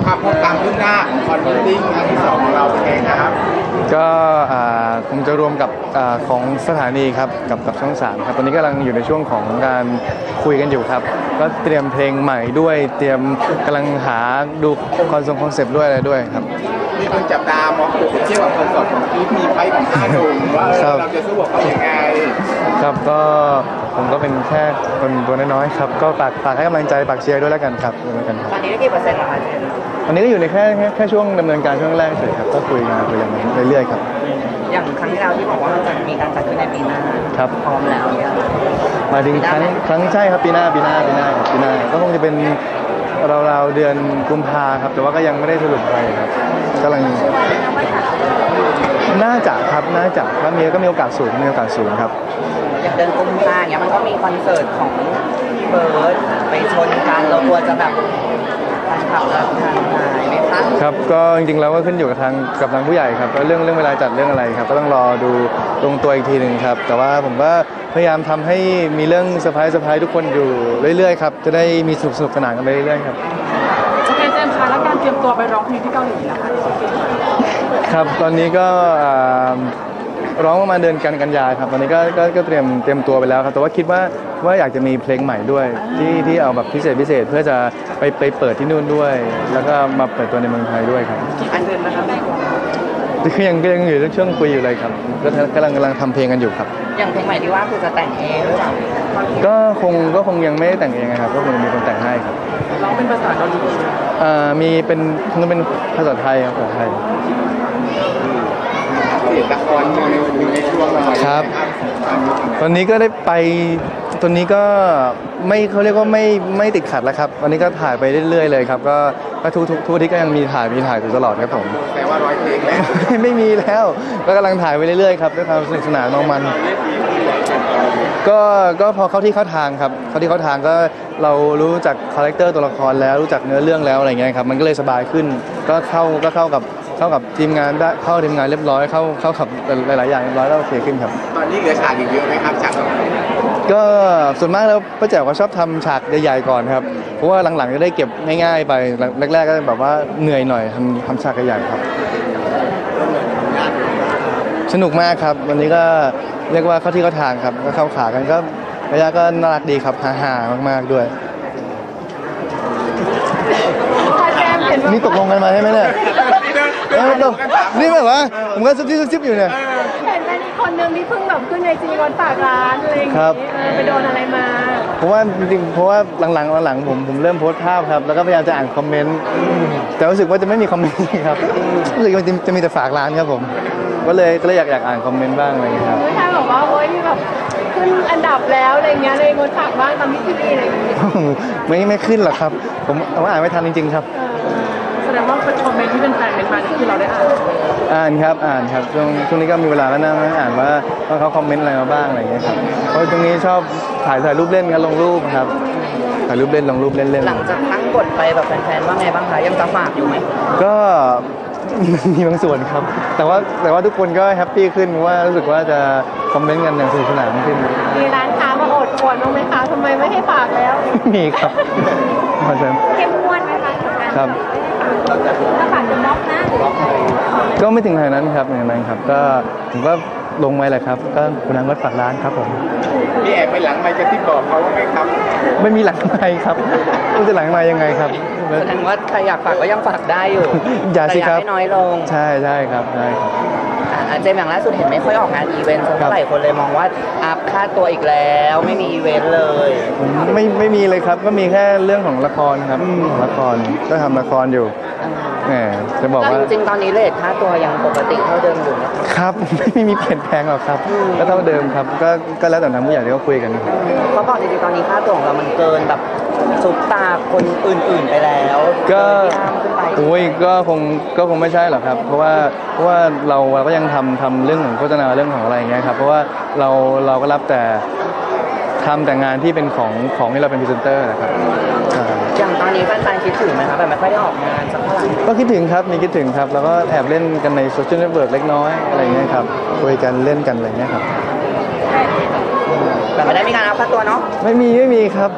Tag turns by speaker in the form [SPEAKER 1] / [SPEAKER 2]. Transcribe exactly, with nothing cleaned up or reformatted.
[SPEAKER 1] ความพบความคืบหน้าของคอนเสิร์ตครั้งที่สองของเราเป็นไงครับ
[SPEAKER 2] ก็คงจะรวมกับอของสถานีครับกับกับช่องสามครับตอนนี้กำลังอยู่ในช่วงของการคุยกันอยู่ครับก็เตรียมเพลงใหม่ด้วยเตรียมกำลังหาดูคอนคอนเซปต์ด้วยอะไรด้วยครับ
[SPEAKER 1] มีคนจับตามองเทียบกับคอนเสิร์ตของพีทมีไฟของห้าหนุ่มว่าเราจะสู้กับเขาอย่างไร
[SPEAKER 2] ครับก็ผมก็เป็นแค่คนตัวน้อยๆครับก็ฝากฝากให้กำลังใจฝากเชียร์ด้วยแล้วกันครับด้วยกันครับ
[SPEAKER 3] ตอนนี้ได้กี่เปอร์เซ็นต์แล้วคะ
[SPEAKER 2] ตอนนี้ก็อยู่ในแค่แค่แค่ช่วงดำเนินการช่วงแรกเฉยครับก็คุยงานคุยกันเรื่อยๆครับ
[SPEAKER 3] อย่างครั้งที่แล้วที่บอกว่ามันจะมีการจัดขึ้นในปีหน้า
[SPEAKER 2] ครับ
[SPEAKER 3] พร้อมแล้วเนี่ย
[SPEAKER 2] มาถึงครั้งครั้งใช่ครับปีหน้าปีหน้าปีหน้าปีหน้าก็คงจะเป็นราวๆเดือนกุมภาครับแต่ว่าก็ยังไม่ได้สรุปอะไรครับกำลังน่าจะครับน่าจะถ้ามีก็มีโอกาสสูงมีโอกาสสูงครับ
[SPEAKER 3] อย่างเดือนกุมภาเนี่ยมันก็มีคอนเสิร์ตของเบิร์ดไปชนกันเราควรจะแบบทางขับทางหายไหมคะ
[SPEAKER 2] ครับก็จริงๆแล้วก็ขึ้นอยู่กับทางกับทางผู้ใหญ่ครับเรื่องเรื่องเวลาจัดเรื่องอะไรครับก็ต้องรอดูตรงตัวอีกทีหนึ่งครับแต่ว่าผมก็พยายามทำให้มีเรื่องเซอร์ไพรส์เซอร์ไพรส์ทุกคนอยู่เรื่อยๆครับจะได้มีสนุกสนุกสนานกันไปเรื่อยๆครับ
[SPEAKER 4] โอเคเจมส์คะแล้วการเตรียมตัวไปร้องเพลงที่เกาหลีนะคะ
[SPEAKER 2] ครับตอนนี้ก็ร้องประมาณเดือนกันกันยาครับตอนนี้ก็ก็ก็เตรียมเตรียมตัวไปแล้วครับแต่ว่าคิดว่าว่าอยากจะมีเพลงใหม่ด้วยที่ที่เอาแบบพิเศษพิเศษเพื่อจะไปไปเปิดที่นู่นด้วย แล้วก็มาเปิดตัวในเมืองไทยด้วยครับ
[SPEAKER 3] กี่อันเดือนนะครับ
[SPEAKER 2] คือยังยังอยู่ในช่วงคุยอยู่เลยครับก็กำลังกำลังทำเพลงกันอยู่ครับ
[SPEAKER 3] อย่างเพลงใหม่ที่ว่าคือจะแต่งเองหรือเปล่า
[SPEAKER 2] ก็คงก็คงยังไม่ได้แต่งเองนะครับก็คงมีคนแต่งให้ครับ
[SPEAKER 4] ร้องเป็นภาษาเกาหลี
[SPEAKER 2] อ่ามีเป็นมันเป็นภาษาไทยครับภาษาไทย
[SPEAKER 1] ละครอยู่ในช่วงอะไร
[SPEAKER 2] ครับตอนนี้ก็ได้ไปตอนนี้ก็ไม่เขาเรียกว่าไม่ไม่ติดขัดแล้วครับวันนี้ก็ถ่ายไปเรื่อยๆเลยครับก็ก็ทุกทุกทุกอาทิตย์ก็ยังมีถ่ายมีถ่ายอยู่ตลอดครับผม
[SPEAKER 1] แต่ว่าร้อยเพลงแล้ว
[SPEAKER 2] ไม่มีแล้วก็กำลังถ่ายไปเรื่อยๆครับด้วยความสนุกสนานน้องมันก็ก็พอเข้าที่เข้าทางครับเข้าที่เข้าทางก็เรารู้จักคาแรคเตอร์ตัวละครแล้วรู้จักเนื้อเรื่องแล้วอะไรเงี้ยครับมันก็เลยสบายขึ้นก็เข้าก็เข้ากับเข้ากับทีมงานได้เข้าทีมงานเรียบร้อยเข้าเข้ากับหลายๆอย่างเรียบร้อยแล้วโอเคขึ้นครับ
[SPEAKER 1] ตอนนี้เหลือฉากอีกเยอะไหมครับฉาก
[SPEAKER 2] ก็ส่วนมากแล้วป้าแจ๋วก็ชอบทำฉากใหญ่ๆก่อนครับเพราะว่าหลังๆจะได้เก็บง่ายๆไปแรกๆก็แบบว่าเหนื่อยหน่อยทำทำฉากใหญ่ๆครับสนุกมากครับวันนี้ก็เรียกว่าเข้าที่เข้าทางครับก็เข้าขากันก็ระยะก็น่ารักดีครับฮาๆมากๆด้วยนี่ตกลงกันมาใช่ไหมเนี่ยนี่แบบว่าผมก็ซุบซิบซุบซิบอยู่เนี่ย
[SPEAKER 4] เห็นเป็นอีกคนนึงที่เพิ่งแบบขึ้นในจีวันฝากร้านอะไรอย่างเงี้ยไปโดนอะไรมา
[SPEAKER 2] เพราะว่าจริงๆเพราะว่าหลังๆหลังๆผมผมเริ่มโพสต์ภาพครับแล้วก็พยายามจะอ่านคอมเมนต์แต่รู้สึกว่าจะไม่มีคอมเมนต์ครับรู้สึกว่าจะมีแต่ฝากร้านครับผมก็เลยก็เลยอยากอยากอ่านคอมเมนต์บ้างอะไรอย่างเงี้ยครับ
[SPEAKER 4] ไม่ใช่แบบว่าโอ๊ยมีแบบขึ้นอันดับแล้วอะไรเงี้ยเลยงดฝากบ้างตามที่ทีอะไรอย่างเงี้ย
[SPEAKER 2] ไม่ไม่ขึ้นหรอกครับผมว่าอ่านไม่ทันจริงๆครับ
[SPEAKER 4] แสดงว่าคอมเมนต์ที่เป็นแฟนเป็นมาที่เราได้อ่าน
[SPEAKER 2] อ่านครับอ่านครับช่วงช่วงนี้ก็มีเวลาแล้วนั่งอ่านว่าว่าเขาคอมเมนต์อะไรมาบ้างอะไรอย่างเงี้ยครับเพราะตรงนี้ชอบถ่ายถ่ายรูปเล่นกันลงรูปครับถ่ายรูปเล่นลงรูปเล่นเล่น
[SPEAKER 3] หลังจากตั้งกฎไปแบบแฟนๆว่าไงบ้างคะยังจะฝากอยู่ไหม
[SPEAKER 2] ก็มีบางส่วนครับแต่ว่าแต่ว่าทุกคนก็แฮปปี้ขึ้นว่ารู้สึกว่าจะคอมเมนต์กันอย่างสนุกสนานขึ้น
[SPEAKER 4] มีร้านค้ามาอดอวดบ้างไหมคะทำไมไม่ให้ฝากแล้ว
[SPEAKER 2] มีครับ
[SPEAKER 4] เข้มงวดไหมคะ
[SPEAKER 2] ครับ
[SPEAKER 4] ถ้าฝากจะบล็อกนะ
[SPEAKER 2] ก็ไม่ถึงขนาดนั้นครับอย่างนั้นครับก็ผมก็ลงไว้แหละครับก็คุณนางก็ฝากร้านครับผม
[SPEAKER 1] มีแอบไปหลังไมค์จะที่บอกเขาว่าไหมครับ
[SPEAKER 2] ไม่มีหลังไมค์ครับมันจะหลังไมค์ยังไงครับ
[SPEAKER 3] แสดงว่าใครอยากฝากก็ยังฝากได้อยู่
[SPEAKER 2] อย่าสิครับ
[SPEAKER 3] น้อยลง
[SPEAKER 2] ใช่ใช่ครับใช่ครับ
[SPEAKER 3] เจมส์อย่างล่าสุดเห็นไม่ค่อยออกงานอีเวนต์เท่าไหร่คนเลยมองว่าอัพค่าตัวอีกแล้วไม่มีอีเวนต์เลย
[SPEAKER 2] ไม่ไม่มีเลยครับก็มีแค่เรื่องของละครครับละครก็ทำละครอยู่แหมจะบอกว่า
[SPEAKER 3] จริงๆตอนนี้เรทค่าตัวยังปกติเท่าเดิมอยู่
[SPEAKER 2] ครับไม่มีเปลี่ยนแปลงหรอกครับก็เท่าเดิมครับก็ก็แล้วแต่ทางผู้ใหญ่ที่เขาคุยกัน
[SPEAKER 3] เขาบอกจริงๆตอนนี้ค่าตัวของเรามันเกินแบบซุปตาคนอื่นๆไปแล้ว
[SPEAKER 2] ก็โอ้ยก็คงก็คงไม่ใช่หรอกครับเพราะว่าเพราะว่าเราเราก็ยังทำทำเรื่องของโฆษณาเรื่องของอะไรอย่างเงี้ยครับเพราะว่าเราเราก็รับแต่ทำแต่งานที่เป็นของของที่เราเป็นพรีเซนเตอร์นะครับ
[SPEAKER 3] อย่างตอนนี้แฟนๆคิดถึงไหมครับแบบไม่ค่อยได้ออกงานสักเท่าไหร่
[SPEAKER 2] ก็คิดถึงครับมีคิดถึงครับแล้วก็แอบเล่นกันในโซเชียลเน็ตเวิร์กเล็กน้อยอะไรอย่างเงี้ยครับคุยกันเล่นกันอะไรเงี้ยครับ
[SPEAKER 3] แต่ไม่ได้มีการเอาค่าตัวเนาะ
[SPEAKER 2] ไม่มีไม่มีครับ